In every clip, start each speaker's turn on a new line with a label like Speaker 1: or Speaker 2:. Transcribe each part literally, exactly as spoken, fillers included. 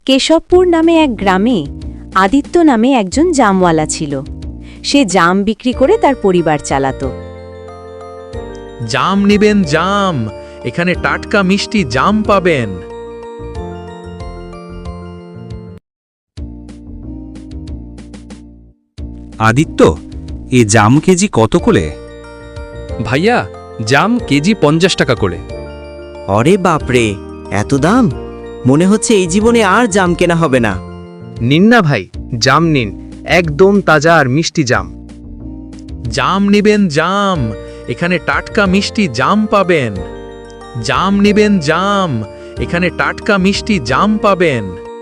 Speaker 1: কেশবপুর নামে এক গ্রামে আদিত্য নামে একজন জামওয়ালা ছিল। সে জাম বিক্রি করে তার পরিবার চালাতো।
Speaker 2: জাম নিবেন জাম, এখানে টাটকা মিষ্টি জাম পাবেন।
Speaker 3: আদিত্য, এ জাম কেজি কত করে?
Speaker 4: ভাইয়া, জাম কেজি পঞ্চাশ টাকা করে।
Speaker 5: অরে বাপরে, এত দাম! মনে হচ্ছে এই জীবনে আর জাম কেনা হবে না।
Speaker 2: নিন না ভাই, জাম নিন, একদম তাজা আর মিষ্টি জাম। জাম নিবেন জাম, এখানে টাটকা মিষ্টি জাম পাবেন। জাম নিবেন জাম, এখানে টাটকা মিষ্টি জাম পাবেন।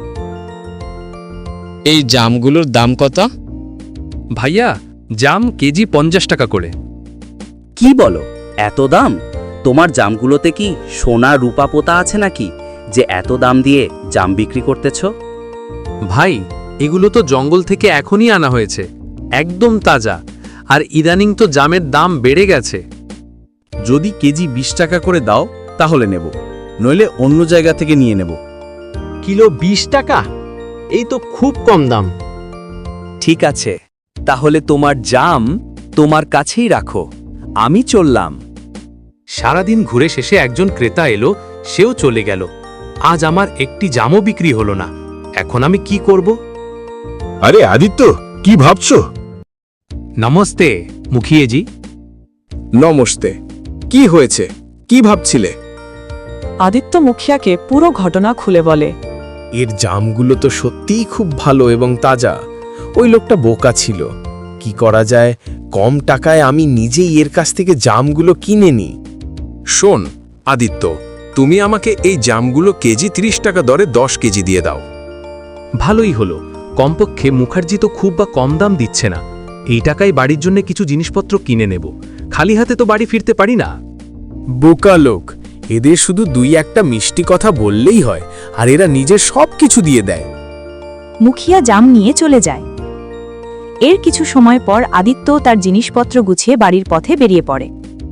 Speaker 6: এই জামগুলোর দাম কত?
Speaker 4: ভাইয়া, জাম কেজি পঞ্চাশ টাকা করে।
Speaker 3: কি বলো, এত দাম? তোমার জামগুলোতে কি সোনা রূপা পোতা আছে নাকি যে এত দাম দিয়ে জাম বিক্রি করতেছ?
Speaker 2: ভাই, এগুলো তো জঙ্গল থেকে এখনই আনা হয়েছে, একদম তাজা। আর ইদানিং তো জামের দাম বেড়ে গেছে।
Speaker 7: যদি কেজি বিশ টাকা করে দাও তাহলে নেব, নইলে অন্য জায়গা থেকে নিয়ে নেব।
Speaker 8: কিলো বিশ টাকা? এই তো খুব কম দাম।
Speaker 3: ঠিক আছে, তাহলে তোমার জাম তোমার কাছেই রাখো, আমি চললাম।
Speaker 2: সারাদিন ঘুরে শেষে একজন ক্রেতা এলো, সেও চলে গেল। আজ আমার একটি জামও বিক্রি হলো না। এখন আমি কি করব?
Speaker 9: আরে আদিত্য, কি ভাবছো?
Speaker 2: নমস্তে মুখিয়েজি।
Speaker 7: নমস্তে। কি হয়েছে, কি ভাবছিলে?
Speaker 10: আদিত্য মুখিয়াকে পুরো ঘটনা খুলে বলে।
Speaker 7: এর জামগুলো তো সত্যিই খুব ভালো এবং তাজা। ওই লোকটা বোকা ছিল। কি করা যায়, কম টাকায় আমি নিজেই এর কাছ থেকে জামগুলো কিনে নিই।
Speaker 9: শোন আদিত্য, তুমি আমাকে এই জামগুলো কেজি ত্রিশ টাকা দরে দশ কেজি দিয়ে দাও।
Speaker 2: ভালোই হলো, কমপক্ষে মুখার্জি তো খুব বা কম দাম দিচ্ছে না। এই টাকায় বাড়ির জন্য কিছু জিনিসপত্র কিনে নেব, খালি হাতে তো বাড়ি ফিরতে পারি না।
Speaker 7: বোকা লোক, এদের শুধু দুই একটা মিষ্টি কথা বললেই হয়, আর এরা নিজের সব কিছু দিয়ে দেয়।
Speaker 1: মুখিয়া জাম নিয়ে চলে যায়। এর কিছু সময় পর আদিত্য তার জিনিসপত্র গুছিয়ে বাড়ির পথে বেরিয়ে পড়ে।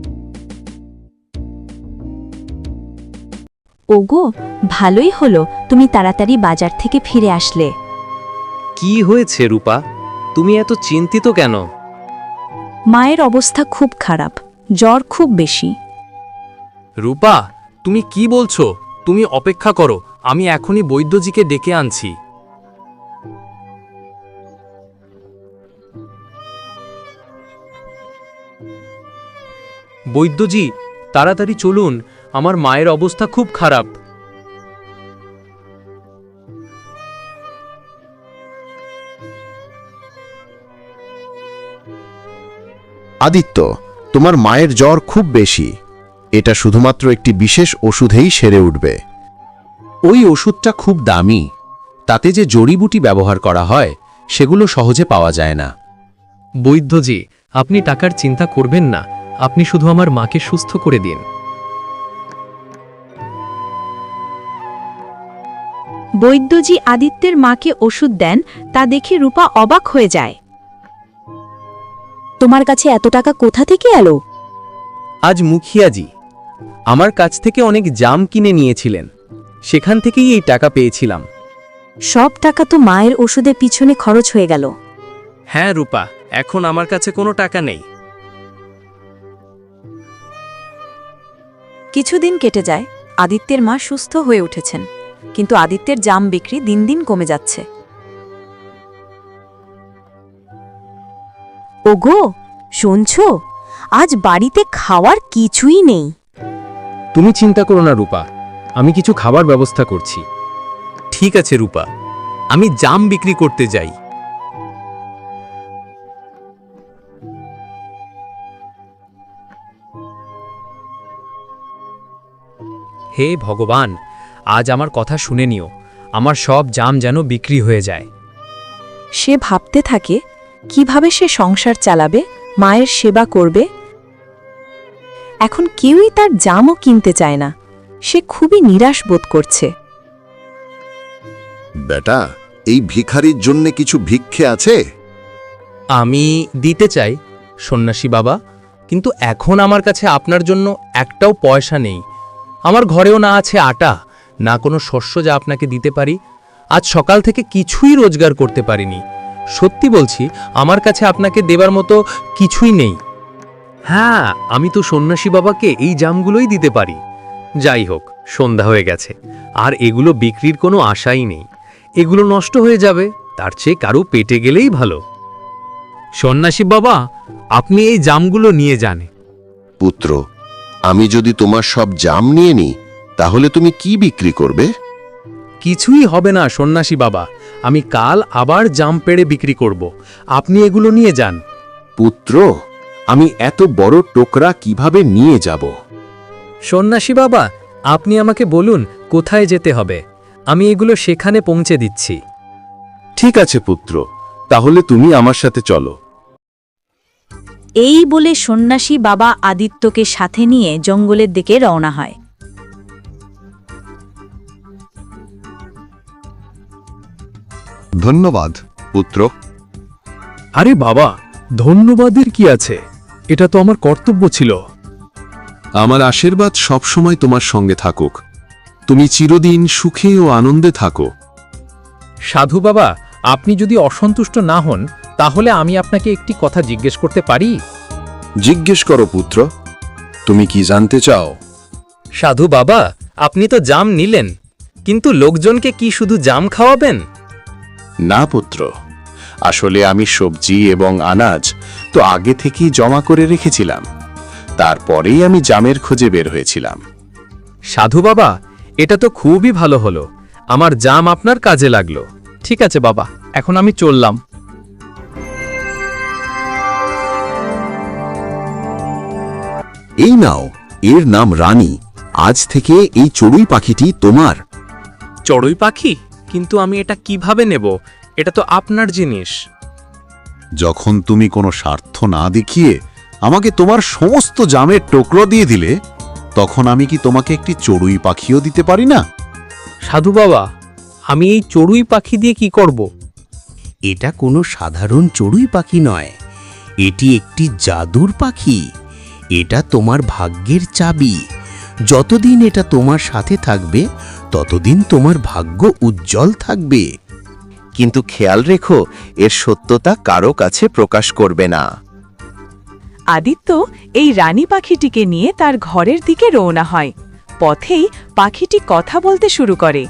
Speaker 1: ওগো, ভালোই হলো তুমি তাড়াতাড়ি বাজার থেকে ফিরে আসলে।
Speaker 4: কি হয়েছে রূপা, তুমি এত চিন্তিত কেন?
Speaker 1: মায়ের অবস্থা খুব খারাপ, জ্বর খুব বেশি।
Speaker 2: রূপা, তুমি কি বলছো? তুমি অপেক্ষা করো, আমি এখনই বৈদ্যজিকে ডেকে আনছি। বৈদ্যজি, তাড়াতাড়ি চলুন, আমার মায়ের অবস্থা খুব খারাপ।
Speaker 9: আদিত্য, তোমার মায়ের জ্বর খুব বেশি। এটা শুধুমাত্র একটি বিশেষ ওষুধেই সেরে উঠবে। ওই ওষুধটা খুব দামি, তাতে যে জড়িবুটি ব্যবহার করা হয় সেগুলো সহজে পাওয়া যায় না।
Speaker 4: বৈদ্যজি, আপনি টাকার চিন্তা করবেন না, আপনি শুধু আমার মাকে সুস্থ করে দিন।
Speaker 1: বৈদ্যজি আদিত্যের মাকে ওষুধ দেন, তা দেখে রূপা অবাক হয়ে যায়। তোমার কাছে এত টাকা কোথা থেকে এলো?
Speaker 5: আজ মুখিয়াজি আমার কাছ থেকে অনেক জাম কিনে নিয়েছিলেন, সেখান থেকেই এই টাকা পেয়েছিলাম।
Speaker 1: সব টাকা তো মায়ের ওষুধের পিছনে খরচ হয়ে গেল।
Speaker 5: হ্যাঁ রূপা, এখন আমার কাছে কোনো টাকা নেই।
Speaker 1: কিছুদিন কেটে যায়, আদিত্যের মা সুস্থ হয়ে উঠেছেন, কিন্তু আদিত্যের জাম বিক্রি দিন দিন কমে যাচ্ছে। ওগো, শুনছো? আজ বাড়িতে খাওয়ার কিছুই নেই।
Speaker 2: তুমি চিন্তা করো না রূপা, আমি কিছু খাবার ব্যবস্থা করছি। ঠিক আছে রূপা, আমি জাম বিক্রি করতে যাই। হে ভগবান, আজ আমার কথা শুনে নিও, আমার সব জাম যেন বিক্রি হয়ে যায়।
Speaker 1: সে ভাবতে থাকে কিভাবে সে সংসার চালাবে, মায়ের সেবা করবে। এখন কেউই তার জামও কিনতে চায় না, সে খুবই নিরাশ বোধ করছে।
Speaker 9: বেটা, এই ভিখারির জন্য কিছু ভিক্ষে আছে?
Speaker 2: আমি দিতে চাই সন্ন্যাসী বাবা, কিন্তু এখন আমার কাছে আপনার জন্য একটাও পয়সা নেই। আমার ঘরেও না আছে আটা, না কোনো শস্য যা আপনাকে দিতে পারি।
Speaker 5: আজ সকাল থেকে কিছুই রোজগার করতে পারিনি। সত্যি বলছি, আমার কাছে আপনাকে দেবার মতো কিছুই নেই।
Speaker 4: হ্যাঁ, আমি তো সন্ন্যাসী বাবাকে এই জামগুলোই দিতে পারি। যাই হোক, সন্ধ্যা হয়ে গেছে, আর এগুলো বিক্রির কোনো আশাই নেই। এগুলো নষ্ট হয়ে যাবে, তার চেয়ে কারো পেটে গেলেই ভালো।
Speaker 2: সন্ন্যাসী বাবা, আপনি এই জামগুলো নিয়ে যান।
Speaker 9: পুত্র, আমি যদি তোমার সব জাম নিয়ে নিই তাহলে তুমি কি বিক্রি করবে?
Speaker 5: কিছুই হবে না সন্ন্যাসী বাবা, আমি কাল আবার জাম পেড়ে বিক্রি করব। আপনি এগুলো নিয়ে যান।
Speaker 7: পুত্র, আমি এত বড় টোকরা কিভাবে নিয়ে যাব?
Speaker 4: সন্ন্যাসী বাবা, আপনি আমাকে বলুন কোথায় যেতে হবে, আমি এগুলো সেখানে পৌঁছে দিচ্ছি।
Speaker 7: ঠিক আছে পুত্র, তাহলে তুমি আমার সাথে চলো।
Speaker 1: এই বলে সন্ন্যাসী বাবা আদিত্যকে সাথে নিয়ে জঙ্গলের দিকে রওনা হয়।
Speaker 9: ধন্যবাদ পুত্র।
Speaker 4: আরে বাবা, ধন্যবাদের কি আছে, এটা তো আমার কর্তব্য ছিল।
Speaker 7: আমার আশীর্বাদ সবসময় তোমার সঙ্গে থাকুক। তুমি চিরদিন সুখে ও আনন্দে থাকো।
Speaker 5: সাধু বাবা, আপনি যদি অসন্তুষ্ট না হন তাহলে আমি আপনাকে একটি কথা জিজ্ঞেস করতে পারি?
Speaker 7: জিজ্ঞেস করো পুত্র, তুমি কি জানতে চাও?
Speaker 5: সাধু বাবা, আপনি তো জাম নিলেন, কিন্তু লোকজনকে কি শুধু জাম খাওয়াবেন?
Speaker 7: না পুত্র, আসলে আমি সবজি এবং আনাজ তো আগে থেকেই জমা করে রেখেছিলাম। তারপরেই আমি জামের খোঁজে বের হয়েছিলাম।
Speaker 5: সাধু বাবা, এটা তো খুবই ভালো হলো, আমার জাম আপনার কাজে লাগলো। ঠিক আছে বাবা, এখন আমি চললাম।
Speaker 9: এই নাও, এর নাম রানী। আজ থেকে এই চড়ুই পাখিটি তোমার।
Speaker 5: চড়ুই পাখি? কিন্তু আমি এটা কিভাবে নেব? এটা তো আপনার জিনিস।
Speaker 9: যখন তুমি কোনো স্বার্থ না দেখিয়ে আমাকে তোমার সমস্ত জামের টুকরো দিয়ে দিলে, তখন আমি কি তোমাকে একটি চড়ুই পাখিও দিতে পারি না?
Speaker 5: সাধু বাবা, আমি এই চড়ুই পাখি দিয়ে কি করব?
Speaker 3: এটা কোনো সাধারণ চড়ুই পাখি নয়, এটি একটি জাদুর পাখি। এটা তোমার ভাগ্যের চাবি। যতদিন এটা তোমার সাথে থাকবে ততদিন তোমার ভাগ্য উজ্জ্বল থাকবে।
Speaker 11: কিন্তু খেয়াল রেখো, এর সত্যতা কারো কাছে প্রকাশ করবে না।
Speaker 10: আদিত্য এই রানী পাখিটিকে নিয়ে তার ঘরের দিকে রওনা হয়। পথেই পাখিটি কথা বলতে শুরু করে।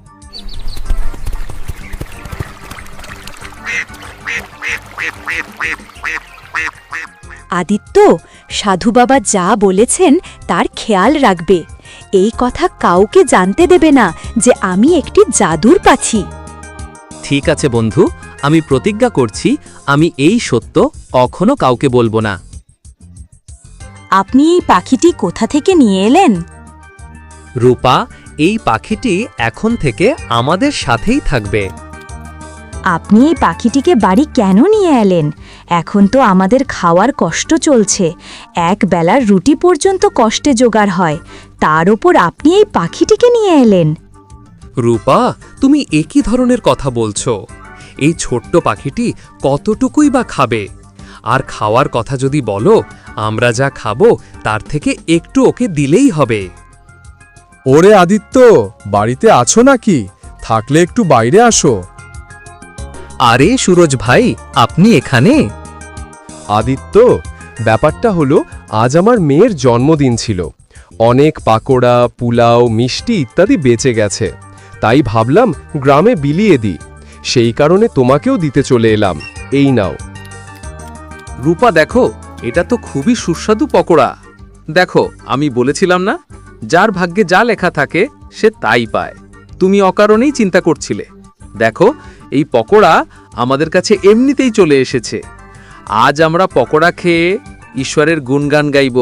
Speaker 1: আদিত্য, সাধু বাবা যা বলেছেন তার খেয়াল রাখবে। এই কথা কাউকে জানতে দেবে না যে আমি একটি জাদুর পাখি।
Speaker 4: ঠিক আছে বন্ধু, আমি প্রতিজ্ঞা করছি আমি এই সত্য কখনো কাউকে বলবো না।
Speaker 1: আপনি এই পাখিটি কোথা থেকে নিয়ে এলেন?
Speaker 4: রূপা, এই পাখিটি এখন থেকে আমাদের সাথেই থাকবে।
Speaker 1: আপনি এই পাখিটিকে বাড়ি কেন নিয়ে এলেন? এখন তো আমাদের খাওয়ার কষ্ট চলছে, এক বেলার রুটি পর্যন্ত কষ্টে জোগাড় হয়, তার ওপর আপনি এই পাখিটিকে নিয়ে এলেন।
Speaker 4: রূপা, তুমি একই ধরনের কথা বলছো। এই ছোট্ট পাখিটি কতটুকুই বা খাবে? আর খাওয়ার কথা যদি বলো, আমরা যা খাবো তার থেকে একটু ওকে দিলেই হবে।
Speaker 7: ওরে আদিত্য, বাড়িতে আছো নাকি? থাকলে একটু বাইরে আসো।
Speaker 4: আরে সুরজ ভাই, আপনি এখানে?
Speaker 7: আদিত্য, ব্যাপারটা হলো আজ আমার মেয়ের জন্মদিন ছিল। অনেক পাকোড়া, পুলাও, মিষ্টি ইত্যাদি বেঁচে গেছে, তাই ভাবলাম গ্রামে বিলিয়ে দিই। সেই কারণে তোমাকেও দিতে চলে এলাম। এই নাও।
Speaker 2: রূপা দেখো, এটা তো খুবই সুস্বাদু পকোড়া। দেখো, আমি বলেছিলাম না, যার ভাগ্যে যা লেখা থাকে সে তাই পায়। তুমি অকারণেই চিন্তা করছিলে। দেখো, এই পকোড়া আমাদের কাছে এমনিতেই চলে এসেছে। আজ আমরা পকোড়া খেয়ে ঈশ্বরের গুণগান গাইব।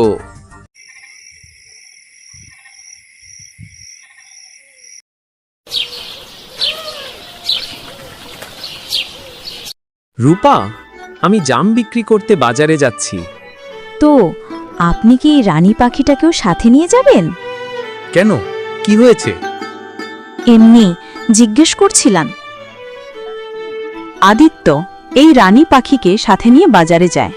Speaker 5: রূপা, আমি জাম বিক্রি করতে বাজারে যাচ্ছি।
Speaker 1: তো আপনি কি এই রানী পাখিটাকেও সাথে নিয়ে যাবেন?
Speaker 5: কেন, কি হয়েছে?
Speaker 1: এমনি জিজ্ঞেস করছিলাম।
Speaker 10: আদিত্য এই রানী পাখিকে সাথে নিয়ে বাজারে যায়।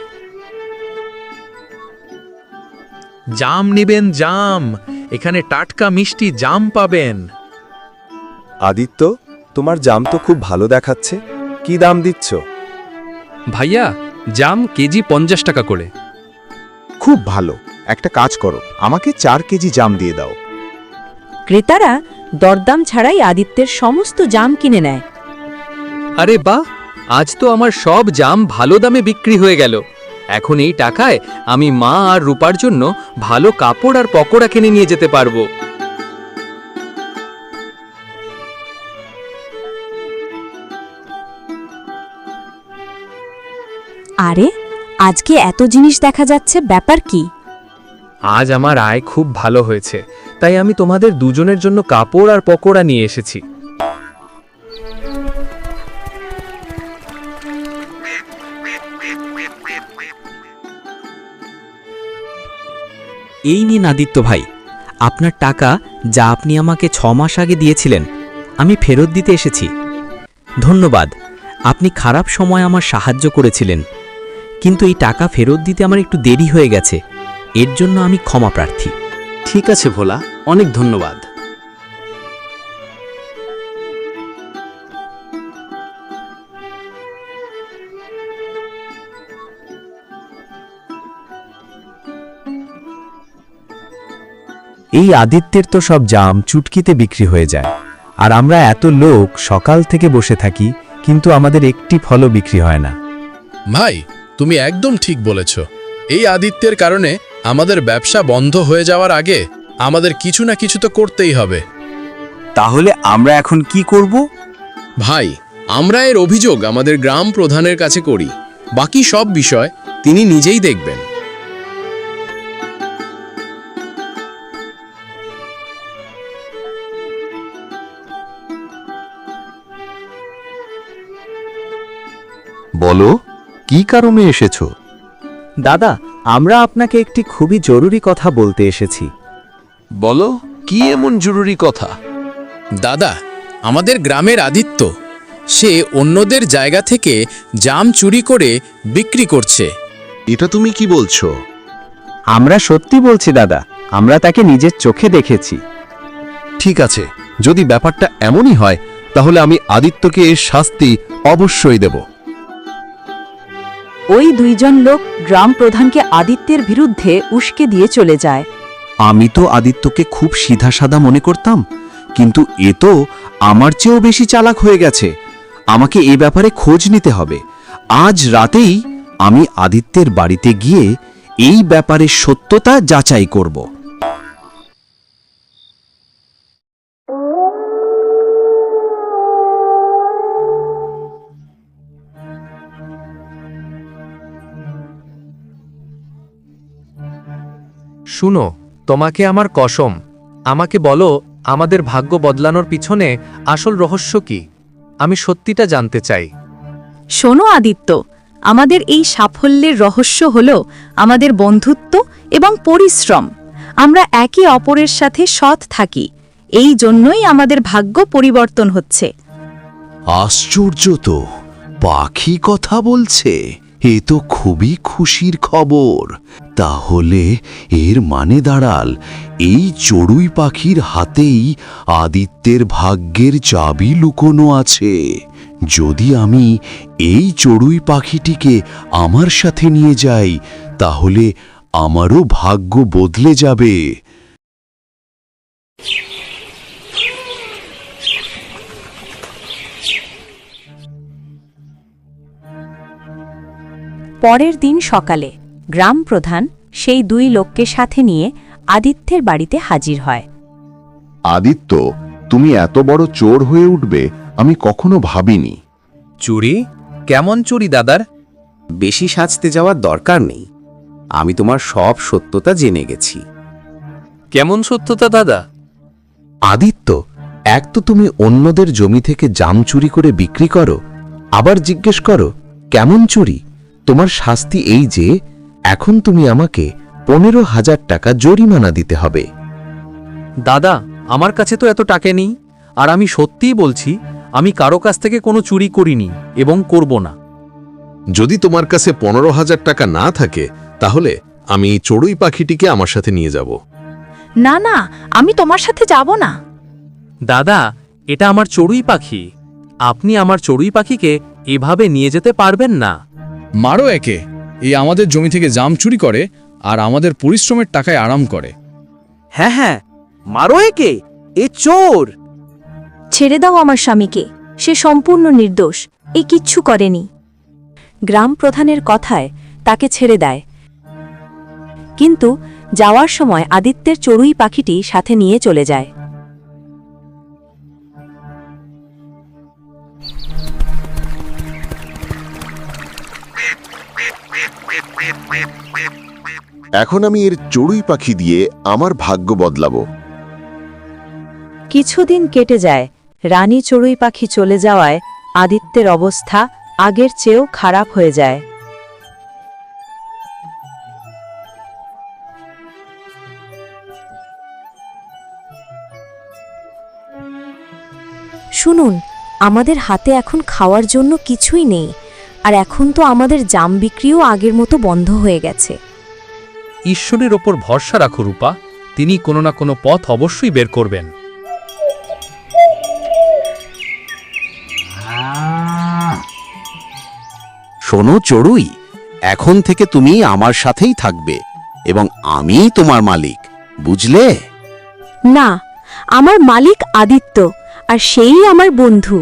Speaker 2: জাম নেবেন জাম, এখানে টাটকা মিষ্টি জাম পাবেন।
Speaker 7: আদিত্য, তোমার জাম তো খুব ভালো দেখাচ্ছে, কি দাম দিচ্ছ?
Speaker 4: ভাইয়া, জাম কেজি পঞ্চাশ টাকা করে।
Speaker 11: খুব ভালো, একটা কাজ করো, আমাকে চার কেজি জাম দিয়ে দাও।
Speaker 1: ক্রেতারা দরদাম ছাড়াই আদিত্যের সমস্ত জাম কিনে নেয়।
Speaker 4: আরে বাহ, আজ তো আমার সব জাম ভালো দামে বিক্রি হয়ে গেল। এখন এই টাকায় আমি মা আর রূপার জন্য ভালো কাপড় আর পকোড়া কিনে নিয়ে যেতে পারবো।
Speaker 1: আরে আজকে এত জিনিস দেখা যাচ্ছে, ব্যাপার কি?
Speaker 4: আজ আমার আয় খুব ভালো হয়েছে, তাই আমি তোমাদের দুজনের জন্য কাপড় আর পকোড়া নিয়ে এসেছি।
Speaker 5: এই নিন আদিত্য ভাই, আপনার টাকা যা আপনি আমাকে ছ মাস আগে দিয়েছিলেন, আমি ফেরত দিতে এসেছি। ধন্যবাদ, আপনি খারাপ সময় আমার সাহায্য করেছিলেন, কিন্তু এই টাকা ফেরত দিতে আমার একটু দেরি হয়ে গেছে, এর জন্য আমি ক্ষমা প্রার্থী।
Speaker 3: ঠিক আছে ভোলা, অনেক ধন্যবাদ।
Speaker 5: এই আদিত্যের তো সব জাম চুটকিতে বিক্রি হয়ে যায়, আর আমরা এত লোক সকাল থেকে বসে থাকি, কিন্তু আমাদের একটি ফলও বিক্রি হয় না।
Speaker 2: ভাই, তুমি একদম ঠিক বলেছ। এই আদিত্যের কারণে আমাদের ব্যবসা বন্ধ হয়ে যাওয়ার আগে আমাদের কিছু না কিছু তো করতেই হবে।
Speaker 3: তাহলে আমরা এখন কি করব?
Speaker 2: ভাই, আমরা এর অভিযোগ আমাদের গ্রাম প্রধানের কাছে করি। বাকি সব বিষয় তিনি নিজেই দেখবেন।
Speaker 9: বলো, কি কারণে এসেছো?
Speaker 5: দাদা, আমরা আপনাকে একটি খুবই জরুরি কথা বলতে এসেছি।
Speaker 9: বলো, কি এমন জরুরি কথা?
Speaker 2: দাদা, আমাদের গ্রামের আদিত্য, সে অন্যদের জায়গা থেকে জাম চুরি করে বিক্রি করছে।
Speaker 9: এটা তুমি কি বলছো?
Speaker 5: আমরা সত্যি বলছি দাদা, আমরা তাকে নিজের চোখে দেখেছি।
Speaker 9: ঠিক আছে, যদি ব্যাপারটা এমনই হয় তাহলে আমি আদিত্যকে এর শাস্তি অবশ্যই দেব।
Speaker 1: ওই দুইজন লোক গ্রাম প্রধানকে আদিত্যের বিরুদ্ধে উস্কে দিয়ে চলে যায়।
Speaker 3: আমি তো আদিত্যকে খুব সিধাসাদা মনে করতাম, কিন্তু এ তো আমার চেয়েও বেশি চালাক হয়ে গেছে। আমাকে এ ব্যাপারে খোঁজ নিতে হবে। আজ রাতেই আমি আদিত্যের বাড়িতে গিয়ে এই ব্যাপারে সত্যতা যাচাই করব।
Speaker 4: শুনো, তোমাকে আমার কসম, আমাকে বলো আমাদের ভাগ্য বদলানোর পিছনে আসল রহস্য কি? আমি সত্যিটা জানতে চাই।
Speaker 10: শোনো আদিত্য, আমাদের এই সাফল্যের রহস্য হল আমাদের বন্ধুত্ব এবং পরিশ্রম। আমরা একে অপরের সাথে সৎ থাকি, এই জন্যই আমাদের ভাগ্য পরিবর্তন হচ্ছে।
Speaker 3: আশ্চর্য তো, পাখি কথা বলছে। এ তো খুবই খুশির খবর। তাহলে এর মানে দাঁড়াল, এই চড়ুই পাখির হাতেই আদিত্যের ভাগ্যের চাবি লুকোনো আছে। যদি আমি এই চড়ুই পাখিটিকে আমার সাথে নিয়ে যাই, তাহলে আমারও ভাগ্য বদলে যাবে।
Speaker 1: পরের দিন সকালে গ্রাম প্রধান সেই দুই লোককে সাথে নিয়ে আদিত্যের বাড়িতে হাজির হয়।
Speaker 9: আদিত্য, তুমি এত বড় চোর হয়ে উঠবে আমি কখনো ভাবিনি।
Speaker 5: চুরি? কেমন চুরি দাদার?
Speaker 3: বেশি সাজতে যাওয়ার দরকার নেই, আমি তোমার সব সত্যতা জেনে গেছি।
Speaker 4: কেমন সত্যতা দাদা?
Speaker 9: আদিত্য, এক তো তুমি অন্যদের জমি থেকে জাম চুরি করে বিক্রি করো, আবার জিজ্ঞেস করো কেমন চুরি? তোমার শাস্তি এই যে এখন তুমি আমাকে পনেরো হাজার টাকা জরিমানা দিতে হবে।
Speaker 4: দাদা, আমার কাছে তো এত টাকা নেই, আর আমি সত্যিই বলছি আমি কারো কাছ থেকে কোনো চুরি করিনি এবং করব না।
Speaker 7: যদি তোমার কাছে পনেরো হাজার টাকা না থাকে, তাহলে আমি চড়ুই পাখিটিকে আমার সাথে নিয়ে যাব।
Speaker 10: না না, আমি তোমার সাথে যাব না।
Speaker 4: দাদা, এটা আমার চড়ুই পাখি, আপনি আমার চড়ুই পাখিকে এভাবে নিয়ে যেতে পারবেন না।
Speaker 6: মারো একে, এই আমাদের জমি থেকে জাম চুরি করে আর আমাদের পরিশ্রমের টাকায় আরাম করে।
Speaker 8: হ্যাঁ হ্যাঁ, মারো একে, এ চোর।
Speaker 10: ছেড়ে দাও আমার স্বামীকে, সে সম্পূর্ণ নির্দোষ, এ কিচ্ছু করেনি।
Speaker 1: গ্রাম প্রধানের কথায় তাকে ছেড়ে দেয়, কিন্তু যাওয়ার সময় আদিত্যের চড়ুই পাখিটি সাথে নিয়ে চলে যায়।
Speaker 9: এখন আমি এর চড়ুই পাখি দিয়ে আমার ভাগ্য বদলাবো।
Speaker 1: কিছুদিন কেটে যায়, রানী চড়ুই পাখি চলে যাওয়ায় আদিত্যের অবস্থা আগের চেয়েও খারাপ হয়ে যায়। শুনুন, আমাদের হাতে এখন খাওয়ার জন্য কিছুই নেই, আর এখন তো আমাদের জাম বিক্রিও আগের মতো বন্ধ হয়ে গেছে।
Speaker 4: ঈশ্বরের ওপর ভরসা রাখো রূপা, তিনি কোনো না কোনো পথ অবশ্যই বের করবেন।
Speaker 3: শোনো চড়ুই, এখন থেকে তুমি আমার সাথেই থাকবে এবং আমিই তোমার মালিক, বুঝলে?
Speaker 1: না, আমার মালিক আদিত্য, আর সেই আমার বন্ধু।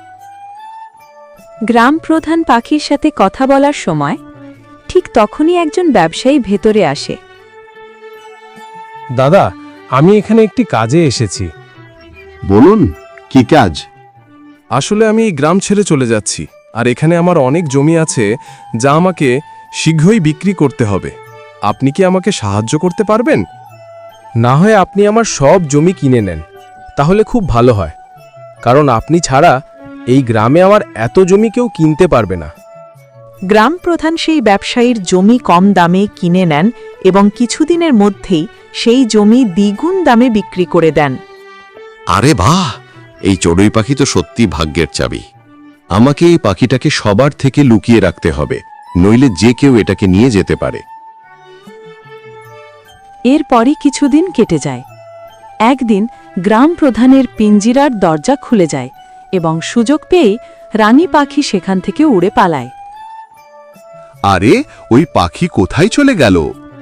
Speaker 1: গ্রাম প্রধান পাখির সাথে কথা বলার সময় ঠিক তখনই একজন ব্যবসায়ী ভেতরে আসে।
Speaker 7: দাদা, আমি এখানে একটি কাজে এসেছি।
Speaker 9: বলুন, কি কাজ?
Speaker 7: আসলে আমি এই গ্রাম ছেড়ে চলে যাচ্ছি, আর এখানে আমার অনেক জমি আছে যা আমাকে শীঘ্রই বিক্রি করতে হবে। আপনি কি আমাকে সাহায্য করতে পারবেন? না হয় আপনি আমার সব জমি কিনে নেন, তাহলে খুব ভালো হয়, কারণ আপনি ছাড়া এই গ্রামে আমার এত জমি কেউ কিনতে পারবে না।
Speaker 1: গ্রাম প্রধান সেই ব্যবসায়ীর জমি কম দামে কিনে নেন এবং কিছুদিনের মধ্যেই সেই জমি দ্বিগুণ দামে বিক্রি করে দেন।
Speaker 9: আরে বাহ, এই চড়ুই পাখি তো সত্যি ভাগ্যের চাবি। আমাকে এই পাখিটাকে সবার থেকে লুকিয়ে রাখতে হবে, নইলে যে কেউ এটাকে নিয়ে যেতে পারে।
Speaker 1: এরপরই কিছুদিন কেটে যায়। একদিন গ্রাম প্রধানের পিঞ্জিরার দরজা খুলে যায় এবং সুযোগ পেয়ে রানী পাখি সেখান থেকে উড়ে পালায়।
Speaker 9: আরে, ওই পাখি কোথায় চলে গেল?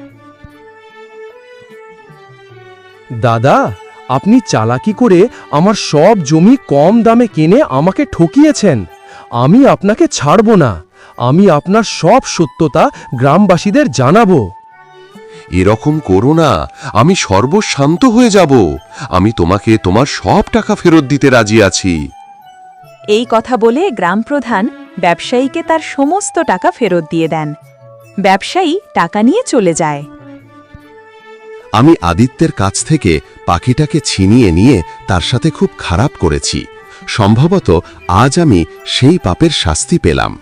Speaker 7: দাদা, আপনি চালাকি করে আমার সব জমি কম দামে কিনে আমাকে ঠকিয়েছেন। আমি আপনাকে ছাড়ব না, আমি আপনার সব সত্যতা গ্রামবাসীদের জানাবো।
Speaker 9: এরকম করো না, আমি সর্বশান্ত হয়ে যাব। আমি তোমাকে তোমার সব টাকা ফেরত দিতে রাজি আছি।
Speaker 1: এই কথা বলে গ্রাম প্রধান ব্যবসায়ীকে তার সমস্ত টাকা ফেরত দিয়ে দেন। ব্যবসায়ী টাকা নিয়ে চলে যায়।
Speaker 9: আমি আদিত্যের কাছ থেকে পাখিটাকে ছিনিয়ে নিয়ে তার সাথে খুব খারাপ করেছি। সম্ভবত আজ আমি সেই পাপের শাস্তি পেলাম।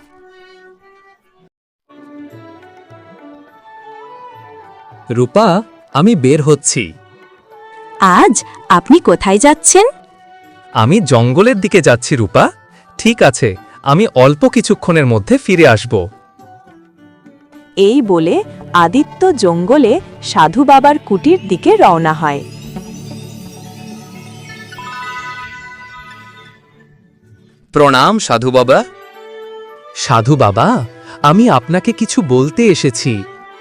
Speaker 4: রূপা, আমি বের হচ্ছি।
Speaker 1: আজ আপনি কোথায় যাচ্ছেন?
Speaker 4: আমি জঙ্গলের দিকে যাচ্ছি রূপা। ঠিক আছে, আমি অল্প কিছুক্ষণের মধ্যে ফিরে আসব।
Speaker 1: এই বলে আদিত্য জঙ্গলে সাধু বাবার কুটির দিকে রওনা হয়।
Speaker 4: প্রণাম সাধু বাবা। সাধু বাবা, আমি আপনাকে কিছু বলতে এসেছি।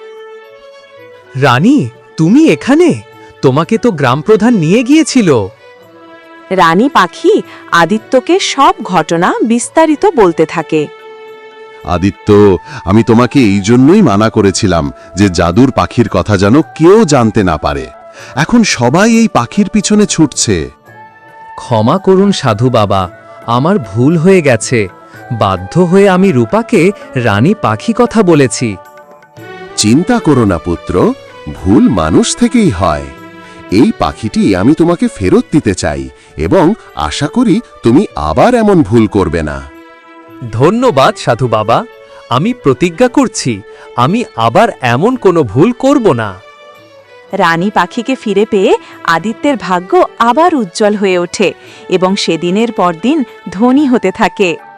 Speaker 4: রানী, তুমি এখানে? তোমাকে তো গ্রাম প্রধান নিয়ে গিয়েছিল।
Speaker 1: রানী পাখি আদিত্যকে সব ঘটনা বিস্তারিত বলতে থাকে।
Speaker 9: আদিত্য, আমি তোমাকে এই জন্যই মানা করেছিলাম যে জাদুর পাখির কথা যেন কেউ জানতে না পারে। এখন সবাই এই পাখির পিছনে ছুটছে।
Speaker 4: ক্ষমা করুন সাধু বাবা, আমার ভুল হয়ে গেছে। বাধ্য হয়ে আমি রূপাকে রানী পাখি কথা বলেছি।
Speaker 9: চিন্তা করো না পুত্র, ভুল মানুষ থেকেই হয়। এই পাখিটি আমি তোমাকে ফেরত দিতে চাই এবং আশা করি তুমি আবার এমন ভুল করবে না।
Speaker 4: ধন্যবাদ সাধু বাবা, আমি প্রতিজ্ঞা করছি আমি আবার এমন কোনো ভুল করব না।
Speaker 1: রানী পাখিকে ফিরে পেয়ে আদিত্যের ভাগ্য আবার উজ্জ্বল হয়ে ওঠে এবং সে দিনের পর দিন ধনী হতে থাকে।